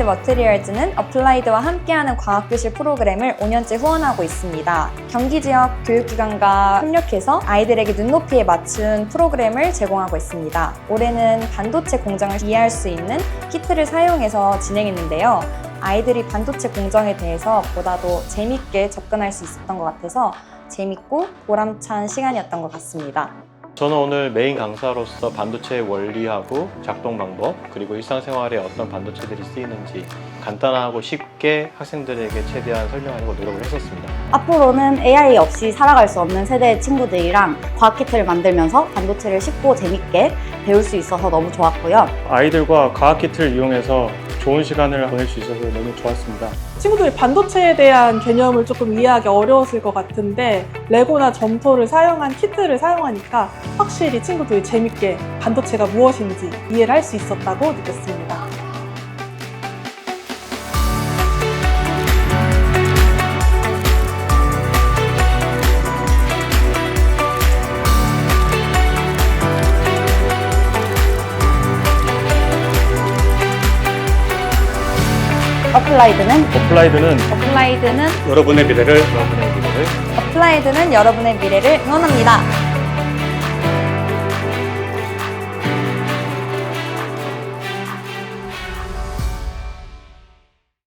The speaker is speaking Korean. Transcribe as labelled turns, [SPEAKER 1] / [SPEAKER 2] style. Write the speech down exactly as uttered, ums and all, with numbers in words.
[SPEAKER 1] 머티리얼즈는 어플라이드와 함께하는 과학교실 프로그램을 오 년째 후원하고 있습니다. 경기 지역 교육기관과 협력해서 아이들에게 눈높이에 맞춘 프로그램을 제공하고 있습니다. 올해는 반도체 공정을 이해할 수 있는 키트를 사용해서 진행했는데요. 아이들이 반도체 공정에 대해서 보다도 재밌게 접근할 수 있었던 것 같아서 재밌고 보람찬 시간이었던 것 같습니다.
[SPEAKER 2] 저는 오늘 메인 강사로서 반도체의 원리하고 작동 방법, 그리고 일상생활에 어떤 반도체들이 쓰이는지 간단하고 쉽게 학생들에게 최대한 설명하려고 노력을 했었습니다.
[SPEAKER 3] 앞으로는 에이아이 없이 살아갈 수 없는 세대의 친구들이랑 과학 키트를 만들면서 반도체를 쉽고 재밌게 배울 수 있어서 너무 좋았고요.
[SPEAKER 4] 아이들과 과학 키트를 이용해서 좋은 시간을 보낼 수 있어서 너무 좋았습니다.
[SPEAKER 5] 친구들이 반도체에 대한 개념을 조금 이해하기 어려웠을 것 같은데 레고나 점토를 사용한 키트를 사용하니까 확실히 친구들이 재밌게 반도체가 무엇인지 이해를 할 수 있었다고 느꼈습니다.
[SPEAKER 3] 어플라이드는
[SPEAKER 4] 어플라이드는
[SPEAKER 1] 어플라이드는
[SPEAKER 4] 여러분의 미래를
[SPEAKER 2] 여러분의 미래를
[SPEAKER 1] 어플라이드는 여러분의 미래를 응원합니다.